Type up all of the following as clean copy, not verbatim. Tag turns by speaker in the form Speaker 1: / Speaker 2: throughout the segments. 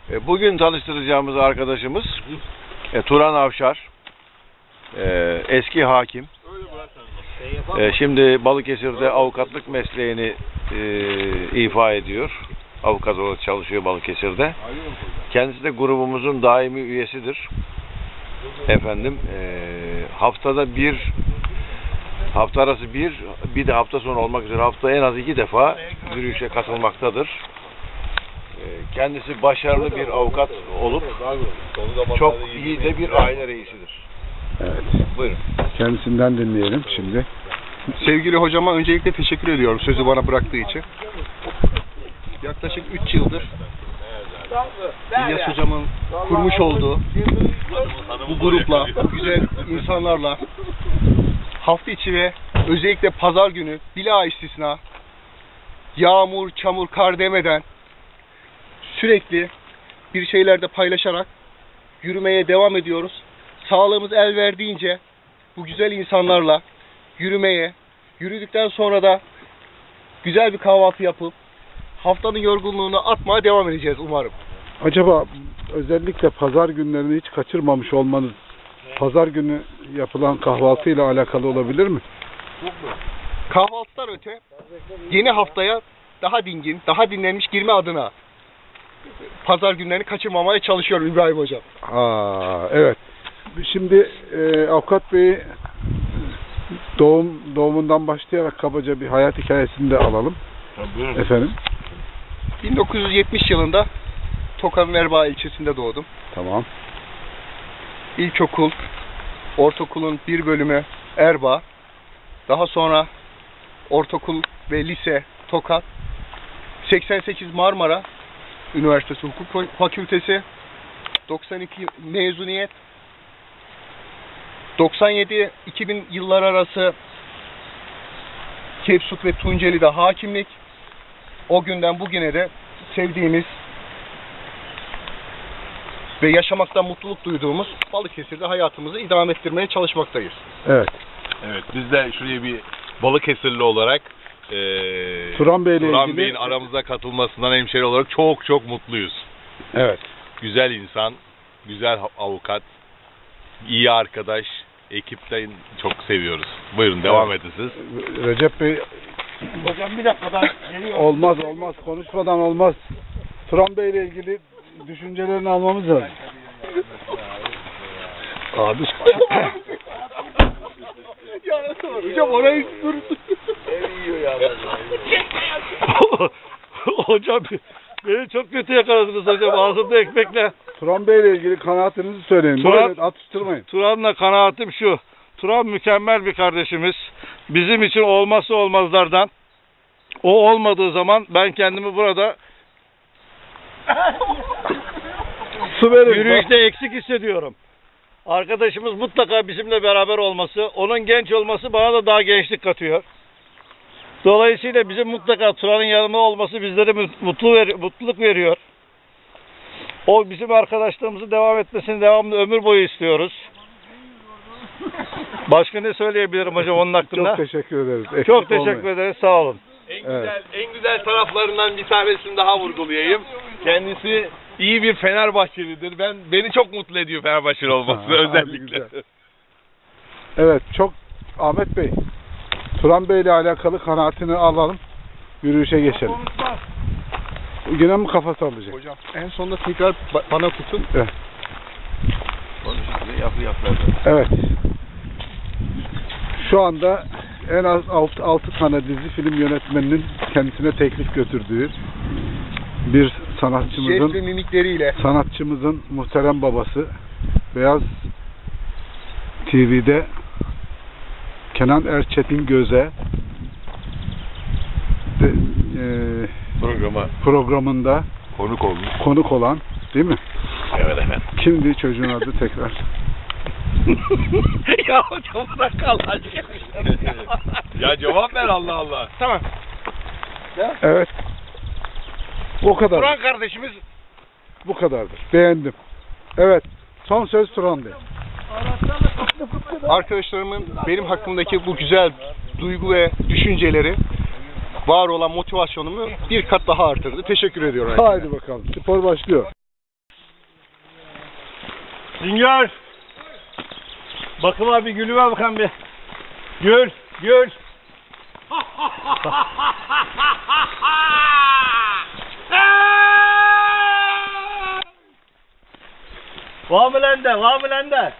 Speaker 1: Bugün tanıştıracağımız arkadaşımız Turan Avşar, eski hakim. Şimdi Balıkesir'de avukatlık mesleğini ifa ediyor. Avukat olarak çalışıyor Balıkesir'de. Kendisi de grubumuzun daimi üyesidir. Haftada hafta arası bir de hafta sonu olmak üzere hafta en az 2 defa yürüyüşe katılmaktadır. Kendisi başarılı bir avukat olup çok iyi de bir aile reisidir.
Speaker 2: Evet.
Speaker 1: Buyurun.
Speaker 2: Kendisinden dinleyelim şimdi.
Speaker 3: Sevgili hocama öncelikle teşekkür ediyorum sözü bana bıraktığı için. Yaklaşık 3 yıldır İlyas hocamın kurmuş olduğu bu grupla, bu güzel insanlarla hafta içi ve özellikle pazar günü bila istisna yağmur, çamur, kar demeden sürekli bir şeylerde paylaşarak yürümeye devam ediyoruz. Sağlığımız el verdiğince bu güzel insanlarla yürüdükten sonra da güzel bir kahvaltı yapıp haftanın yorgunluğunu atmaya devam edeceğiz umarım.
Speaker 2: Acaba özellikle pazar günlerini hiç kaçırmamış olmanız pazar günü yapılan kahvaltıyla alakalı olabilir mi?
Speaker 3: Kahvaltıdan öte yeni haftaya daha dingin, daha dinlenmiş girme adına pazar günlerini kaçırmamaya çalışıyorum İbrahim hocam.
Speaker 2: Evet. Şimdi Avukat Bey'i doğumundan başlayarak kabaca bir hayat hikayesini de alalım.
Speaker 1: Buyurun.
Speaker 2: Efendim?
Speaker 3: 1970 yılında Tokat'ın Erbaa ilçesinde doğdum.
Speaker 2: Tamam.
Speaker 3: İlkokul, ortaokulun bir bölümü Erbaa. Daha sonra ortaokul ve lise Tokat. 88 Marmara Üniversitesi Hukuk Fakültesi. 92 mezuniyet. 97-2000 yıllar arası Kepsut ve Tunceli'de hakimlik. O günden bugüne de sevdiğimiz ve yaşamaktan mutluluk duyduğumuz Balıkesir'de hayatımızı idame ettirmeye çalışmaktayız.
Speaker 2: Evet.
Speaker 4: Evet, biz de şuraya bir Balıkesirli olarak
Speaker 2: Turan
Speaker 4: Bey'in aramıza katılmasından hemşeri olarak çok mutluyuz.
Speaker 2: Evet.
Speaker 4: Güzel insan, güzel avukat, iyi arkadaş, ekipten çok seviyoruz. Buyurun devam edin siz.
Speaker 2: Recep Bey,
Speaker 3: Hocam bir dakika ben geliyorum.
Speaker 2: olmaz konuşmadan olmaz. Turan Bey ile ilgili düşüncelerini almamız lazım.
Speaker 3: Abi hocam orayı dur.
Speaker 5: Hocam beni çok kötü yakaladınız hocam ağzımda ekmekle.
Speaker 2: Turan Bey ile ilgili kanaatinizi söyleyin. Böyle atıştırmayın.
Speaker 5: Turan'la kanaatim şu. Turan mükemmel bir kardeşimiz. Bizim için olmazsa olmazlardan. O olmadığı zaman ben kendimi burada
Speaker 2: Su verin.
Speaker 5: yürüyüşte eksik hissediyorum. Arkadaşımız mutlaka bizimle beraber olması, onun genç olması bana da daha gençlik katıyor. Dolayısıyla bizim mutlaka Turan'ın yanında olması bizlere mutluluk veriyor. O bizim arkadaşlığımızı devam etmesini devamlı ömür boyu istiyoruz. Başka ne söyleyebilirim hocam onun hakkında?
Speaker 2: Çok teşekkür ederiz. Eksik
Speaker 5: Çok teşekkür
Speaker 2: olmayın.
Speaker 5: ederiz. Sağ olun.
Speaker 4: En güzel taraflarından bir tanesini daha vurgulayayım. Kendisi iyi bir Fenerbahçelidir. Beni çok mutlu ediyor Fenerbahçeli olması
Speaker 2: Hadi
Speaker 4: özellikle.
Speaker 2: güzel. Evet, Ahmet Bey, Turan Bey ile alakalı kanaatini alalım. Yürüyüşe geçelim. Yine mi kafa sallayacak?
Speaker 3: Hocam en sonunda tekrar bana tutun.
Speaker 2: Evet.
Speaker 1: Yap.
Speaker 2: Evet. Şu anda en az 6 tane dizi film yönetmeninin kendisine teklif götürdüğü bir
Speaker 3: Jest ve mimikleriyle.
Speaker 2: sanatçımızın muhterem babası Beyaz TV'de Kenan Erçetin Göze programında konuk olan, değil mi?
Speaker 4: Evet efendim.
Speaker 2: Kimdi çocuğun adı tekrar?
Speaker 4: Ya hocam bırak Allah aşkına. Ya cevap ver Allah Allah.
Speaker 3: Tamam.
Speaker 2: Evet. O kadar.
Speaker 3: Turan kardeşimiz
Speaker 2: Bu kadardır. Beğendim. Evet. Son söz Turan Bey.
Speaker 3: arkadaşlarımın benim hakkımdaki bu güzel duygu ve düşünceleri var olan motivasyonumu bir kat daha artırdı. Teşekkür ediyorum.
Speaker 2: Haydi bakalım. Spor başlıyor.
Speaker 5: Sünger. Bakın abi gülüme bakan bir. Gül, gül. Var mı lan de, var mı lan de?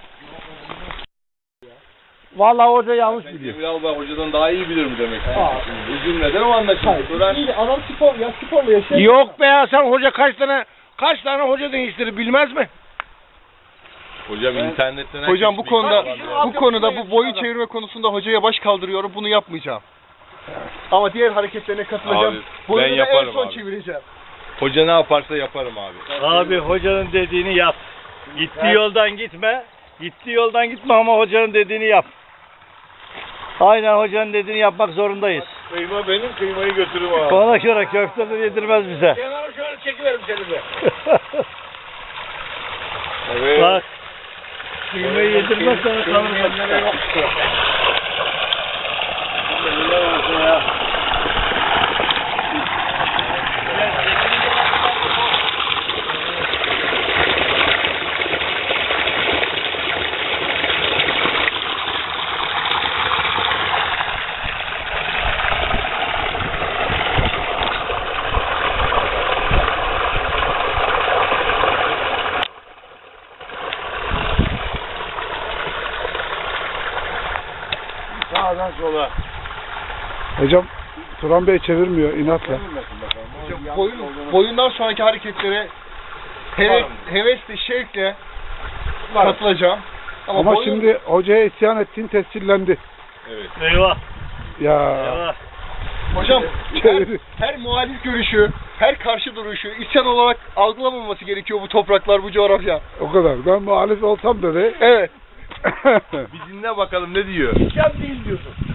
Speaker 5: Vallahi hoca yanlış biliyor.
Speaker 4: Ünal Bey hocadan daha iyi bilir mi demek? Üzülmeden o anlaşılır.
Speaker 3: Adam spor ya, sporla yaşıyor.
Speaker 1: Yok be ya, sen hoca kaç tane hoca değiştirir bilmez mi?
Speaker 4: Hocam internetten
Speaker 3: Hocam bu konuda
Speaker 5: Altyapı
Speaker 3: bu boyun çevirme konusunda hocaya baş kaldırıyorum. Bunu yapmayacağım. Ama diğer hareketlerine katılacağım.
Speaker 4: Abi,
Speaker 3: Boyunu
Speaker 4: ben
Speaker 3: da en
Speaker 4: yaparım
Speaker 3: son
Speaker 4: abi.
Speaker 3: çevireceğim.
Speaker 4: Hoca ne yaparsa yaparım abi.
Speaker 5: Abi hocanın dediğini yap. Gittiği yoldan gitme. Gittiği yoldan gitme ama hocanın dediğini yap. Aynen hocanın dediğini yapmak zorundayız.
Speaker 4: Kıyma benim, kıymayı götürüm abi.
Speaker 5: Ona göre köfte de yedirmez bize.
Speaker 1: Kenara şöyle çekiverim seni de.
Speaker 4: Evet.
Speaker 5: Bak. Kıymayı yedirmez sana kalır.
Speaker 1: Sağdan sola.
Speaker 2: Hocam Turan Bey çevirmiyor inatla.
Speaker 3: Boyundan sonraki hareketlere hevesle, şevkle katılacağım.
Speaker 2: Ama şimdi hocaya isyan ettiğin tescillendi.
Speaker 5: Eyvah.
Speaker 2: Ya
Speaker 5: Eyvah.
Speaker 3: Hocam
Speaker 2: çeviri.
Speaker 3: her muhalif görüşü, her karşı duruşu isyan olarak algılamaması gerekiyor bu topraklar, bu coğrafya.
Speaker 2: O kadar. Ben muhalif olsam dedi.
Speaker 3: Evet.
Speaker 4: Bir dinle bakalım ne diyor.
Speaker 1: Sen değil diyorsun.